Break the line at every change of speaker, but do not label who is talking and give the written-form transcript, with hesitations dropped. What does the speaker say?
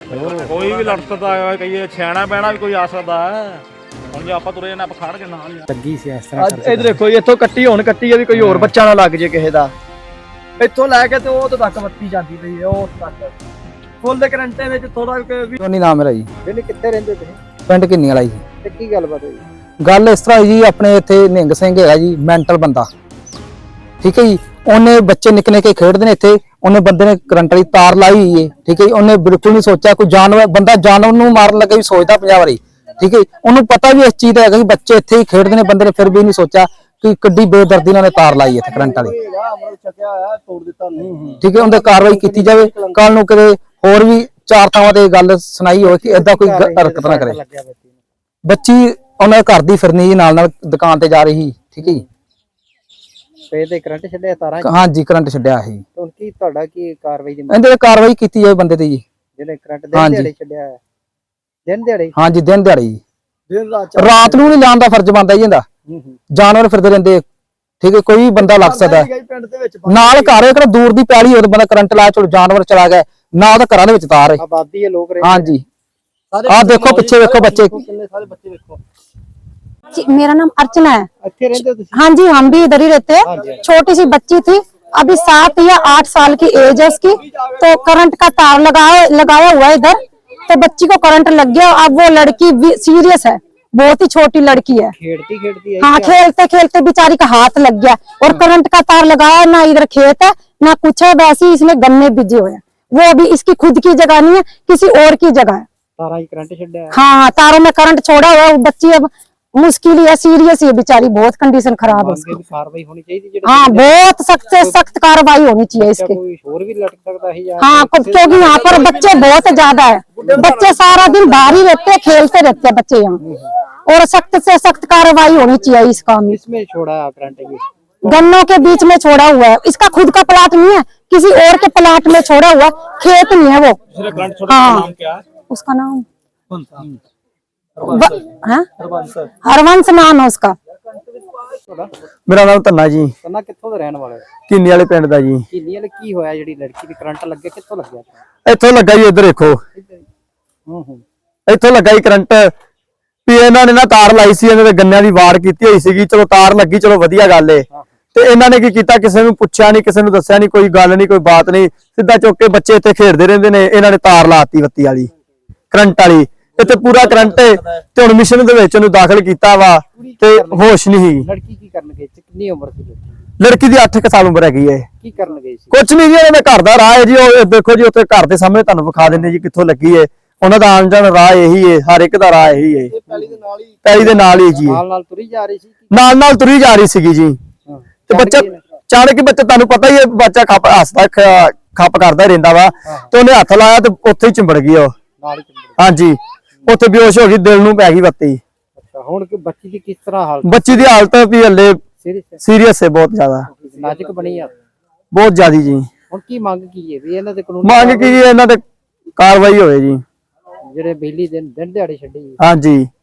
ਕੋਈ ਵੀ ਲੜ ਸਕਦਾ ਹੈ, ਕਈ ਛੈਣਾ ਪੈਣਾ ਵੀ ਕੋਈ ਆ ਸਕਦਾ ਹੈ। ਹੁਣ ਜੇ ਆਪਾਂ ਤੁਰੇ ਜਾਣਾ ਆਪਾਂ ਖੜ ਕੇ ਨਾਲ
ਲੱਗੀ ਸੀ ਇਸ ਤਰ੍ਹਾਂ
ਇਧਰ ਦੇਖੋ ਜੀ, ਇੱਥੋਂ ਕੱਟੀ ਹੁਣ ਕੱਟੀ ਹੈ ਵੀ ਕੋਈ ਹੋਰ ਬੱਚਾ ਨਾ ਲੱਗ ਜੇ ਕਿਸੇ ਦਾ। ਇੱਥੋਂ ਲੈ ਕੇ ਤੇ ਉਹ ਤੱਕ ਬੱਤੀ ਜਾਂਦੀ ਪਈ ਹੈ, ਉਹ ਤੱਕ ਫੁੱਲ ਦੇ ਕਰੰਟੇ ਵਿੱਚ ਥੋੜਾ ਵੀ।
ਟੋਨੀ ਨਾਮ ਮੇਰਾ ਜੀ।
ਜਿਹਨੇ ਕਿੱਥੇ ਰਹਿੰਦੇ ਤੁਸੀਂ?
ਪਿੰਡ ਕਿੰਨੀ ਵਾਲਾ ਜੀ।
ਤੇ ਕੀ ਗੱਲਬਾਤ ਹੋਈ?
ਗੱਲ ਇਸ ਤਰ੍ਹਾਂ ਜੀ, ਆਪਣੇ ਇੱਥੇ ਨਿੰਗ ਸਿੰਘ ਹੈਗਾ ਜੀ, ਮੈਂਟਲ ਬੰਦਾ, ਠੀਕ ਹੈ ਜੀ। ਉਹਨੇ ਬੱਚੇ ਨਿੱਕੇ ਨਿੱਕੇ ਖੇਡਦੇ ਨੇ ਇੱਥੇ, ਉਹਨੇ ਬੰਦੇ ਨੇ ਕਰੰਟ ਵਾਲੀ ਤਾਰ ਲਾਈ ਹੋਈ ਹੈ, ਠੀਕ ਹੈ ਜੀ। ਉਹਨੇ ਬਿਲਕੁਲ ਨਹੀਂ ਸੋਚਿਆ ਕੋਈ ਜਾਨਵਰ ਬੰਦਾ ਜਾਨਵਰ ਨੂੰ ਮਾਰਨ ਲੱਗਾ ਵੀ ਸੋਚਦਾ 50 ਵਾਰੀ, ਠੀਕ ਹੈ। ਉਹਨੂੰ ਪਤਾ ਵੀ ਇਸ ਚੀਜ਼ ਦਾ ਹੈਗਾ ਕਿ ਬੱਚੇ ਇੱਥੇ ਹੀ ਖੇਡਦੇ ਨੇ, ਬੰਦੇ ਨੇ ਫਿਰ ਵੀ ਨਹੀਂ ਸੋਚਿਆ ਕਿ ਕਿੱਡੀ ਬੇਦਰਦੀ ਨਾਲ ਤਾਰ ਲਾਈ ਇੱਥੇ ਕਰੰਟ ਵਾਲੀ, ਠੀਕ ਹੈ। ਉਹਦੇ ਕਾਰਵਾਈ ਕੀਤੀ ਜਾਵੇ, ਕੱਲ ਨੂੰ ਕਿਤੇ ਹੋਰ ਵੀ 4 ਥਾਵਾਂ ਤੇ ਗੱਲ ਸੁਣਾਈ ਹੋਵੇ ਕਿ ਏਦਾਂ ਕੋਈ ਹਰਕਤ ਨਾ ਕਰੇ। ਬੱਚੀ ਉਹਨਾਂ ਘਰ ਦੀ ਫਿਰਨੀ ਜੀ, ਨਾਲ ਨਾਲ ਦੁਕਾਨ ਤੇ ਜਾ ਰਹੀ, ਠੀਕ ਹੈ ਜੀ।
ਤੇ ਕਰੰਟ ਛੱਡਿਆ ਤਾਰਾਂ?
ਹਾਂਜੀ, ਕਰੰਟ ਛੱਡਿਆ ਸੀ।
ਹੁਣ ਕੀ ਤੁਹਾਡਾ ਕੀ ਕਾਰਵਾਈ ਦੀ?
ਇਹਦੇ ਕਾਰਵਾਈ ਕੀਤੀ ਜਾਵੇ ਬੰਦੇ ਤੇ ਜੀ,
ਜਿਹਨੇ ਕਰੰਟ ਦਿਨ ਦਿਹਾੜੇ ਛੱਡਿਆ ਹੈ। ਦਿਨ ਦਿਹਾੜੇ?
ਹਾਂਜੀ, ਦਿਨ ਦਿਹਾੜੇ ਜੀ।
ਦਿਨ
ਰਾਤ ਨੂੰ ਨਹੀਂ ਲਾਉਣ ਦਾ ਫਰਜ਼ ਬਣਦਾ ਜੀ ਇਹਦਾ। ਜਾਨਵਰ ਫਿਰਦੇ ਰਹਿੰਦੇ, ਠੀਕ ਹੈ। ਕੋਈ ਬੰਦਾ ਲੱਗ ਸਕਦਾ ਨਾਲ ਘਰ ਇੱਕ ਦੂਰ ਦੀ ਪੈਲੀ ਹੋਵੇ, ਬੰਦਾ ਕਰੰਟ ਲਾ ਚਲੋ ਜਾਨਵਰ ਚਲਾ ਗਿਆ, ਨਾ ਉਹਦਾ ਘਰਾਂ ਦੇ ਵਿੱਚ ਤਾਰ ਹੈ।
ਆਬਾਦੀ ਹੈ, ਲੋਕ ਰਹਿੰਦੇ।
ਹਾਂਜੀ, ਆਹ देखो पीछे देखो बच्चे।
मेरा नाम अर्चना है।
हाँ
जी, हम भी इधर ही रहते हैं। छोटी सी बच्ची थी, अभी 7 या 8 साल की एज है इसकी। तो करंट का तार लगाया हुआ है इधर, तो बच्ची को करंट लग गया। अब वो लड़की भी सीरियस है, बहुत ही छोटी लड़की है।
खेलती है?
हाँ, खेलते खेलते बेचारी का हाथ लग गया और करंट का तार लगाया। ना इधर खेत है ना कुछ है, वैसे ही इसमें गन्ने बीजे हुए हैं। वो अभी इसकी खुद की जगह नहीं है, किसी और की जगह है। हाँ, तारों में करंट छोड़ा हुआ है। बच्ची अब मुश्किल है, सीरियस है बेचारी, बहुत कंडीशन खराब है उसकी।
कार्रवाई होनी चाहिए।
हाँ, बहुत सख्त से सख्त कार्रवाई होनी चाहिए इसकी।
और भी लटक सकता है।
हाँ, क्योंकि यहाँ पर बच्चे बहुत ज्यादा है। बच्चे सारा दिन बाहर ही रहते हैं, खेलते रहते हैं बच्चे यहाँ। और सख्त से सख्त कार्रवाई होनी चाहिए इस काम में।
इसमें छोड़ा करंट?
गन्नों के बीच में छोड़ा हुआ है। इसका खुद का प्लाट नहीं है, किसी और के प्लाट में छोड़ा हुआ, खेत नहीं है वो। हाँ, उसका नाम हरवंश नाम है उसका।
मेरा नाम धन्ना जी।
ਧੰਨਾ ਕਿੱਥੋਂ ਦੇ ਰਹਿਣ ਵਾਲੇ?
किन्नी वाले पिंड दा जी।
ਕਿੰਨੀ ਵਾਲੇ ਕੀ ਹੋਇਆ ਜਿਹੜੀ ਲੜਕੀ ਦੀ ਕਰੰਟ ਲੱਗੇ, ਕਿੱਥੋਂ ਲੱਗਿਆ?
ਇੱਥੋਂ ਲੱਗਾ ਜੀ, ਇੱਧਰ ਦੇਖੋ, ਇੱਥੋਂ ਲੱਗਾ ਜੀ ਕਰੰਟ। ਵੀ ਇਹਨਾਂ ਨੇ ਨਾ ਤਾਰ ਲਾਈ ਸੀ, ਇਹਨਾਂ ਦੇ ਗੰਨਿਆਂ ਦੀ ਵਾੜ ਕੀਤੀ ਹੋਈ ਸੀਗੀ। ਚਲੋ ਤਾਰ ਲੱਗੀ, ਚਲੋ ਵਧੀਆ ਗੱਲ ਏ। ਤੇ ਇਹਨਾਂ ਨੇ ਕੀ ਕੀਤਾ, ਕਿਸੇ ਨੂੰ ਪੁੱਛਿਆ ਨਹੀਂ, ਕਿਸੇ ਨੂੰ ਦੱਸਿਆ ਨਹੀਂ, ਕੋਈ ਗੱਲ ਨਹੀਂ, ਕੋਈ ਬਾਤ ਨਹੀਂ, ਸਿੱਧਾ ਚੁੱਕ ਕੇ ਬੱਚੇ ਇੱਥੇ ਖੇਡਦੇ ਰਹਿੰਦੇ ਨੇ। ਇਹਨਾਂ ਨੇ ਤਾਰ ਲਾਤੀ ਬੱਤੀ ਵਾਲੀ, ਕਰੰਟ ਵਾਲੀ। ਇੱਥੇ ਪੂਰਾ ਕਰੰਟ ਤੇ ਹੁਣ ਮਿਸ਼ਨ ਦੇ ਵਿੱਚ ਉਹਨੂੰ ਦਾਖਲ ਕੀਤਾ ਵਾ ਤੇ ਹੋਸ਼ ਨਹੀਂ।
ਲੜਕੀ ਕੀ ਕਰਨ ਗਈ ਸੀ? ਕਿੰਨੀ ਉਮਰ ਸੀ
ਲੜਕੀ ਦੀ 8 ਸਾਲ ਉਮਰ ਹੈਗੀ ਹੈ।
ਕੀ ਕਰਨ ਗਈ ਸੀ?
ਕੁਛ ਨਹੀਂ ਜੀ, ਉਹਨਾਂ ਦੇ ਘਰ ਦਾ ਰਾਹ ਹੈ ਜੀ। ਉਹ ਦੇਖੋ ਜੀ, ਉੱਥੇ ਘਰ ਦੇ ਸਾਹਮਣੇ ਤੁਹਾਨੂੰ ਵਿਖਾ ਦਿੰਦੇ ਜੀ ਕਿੱਥੋਂ ਲੱਗੀ ਹੈ। ਉਹਨਾਂ ਦਾ ਆਉਣ ਜਾਣ ਰਾਹ ਇਹੀ ਹੈ, ਹਰ ਇੱਕ ਦਾ ਰਾਹ ਇਹੀ ਹੈ। ਪੈਲੀ ਦੇ ਨਾਲ ਹੀ ਜੀ,
ਨਾਲ ਤੁਰੀ ਜਾ ਰਹੀ ਸੀ,
ਨਾਲ ਤੁਰੀ ਜਾ ਰਹੀ ਸੀਗੀ ਜੀ। ਤੇ ਬੱਚਾ ਚਾਣ ਕੇ ਬੱਚਾ, ਤੁਹਾਨੂੰ ਪਤਾ ਹੀ ਹੈ, ਬੱਚਾ ਹੱਸਦਾ ਖੱਪ ਕਰਦਾ ਰਹਿੰਦਾ ਵਾ। ਤੇ ਉਹਨੇ ਹੱਥ ਲਾਇਆ ਤੇ ਉੱਥੇ ਹੀ ਚਿੰਬੜ ਗਈ ਉਹ। ਹਾਂਜੀ, ਉੱਥੇ ਬੇਹੋਸ਼ ਹੋ ਗਈ, ਦਿਲ ਨੂੰ ਪੈ ਗਈ ਬੱਤੀ।
ਹੁਣ ਬੱਚੀ ਦੀ ਕਿਸ ਤਰ੍ਹਾਂ ਹਾਲਤ?
ਬੱਚੀ ਦੀ ਹਾਲਤ ਵੀ ਹਲੇ ਸੀਰੀਅਸ ਹੈ, ਬਹੁਤ ਜ਼ਿਆਦਾ
ਨਾਜ਼ੁਕ ਬਣੀ ਆ,
ਬਹੁਤ ਜ਼ਿਆਦੀ ਜੀ।
ਹੁਣ ਕੀ ਮੰਗ ਕੀ ਹੈ ਵੀ ਇਹਨਾਂ ਦੇ ਕਾਨੂੰਨ
ਮੰਗ ਕੀ, ਇਹਨਾਂ ਤੇ ਕਾਰਵਾਈ ਹੋਵੇ ਜੀ,
ਜਿਹੜੇ ਬਿਜਲੀ ਦਿਨ ਦਿਹਾੜੇ ਛੱਡੀ?
ਹਾਂਜੀ।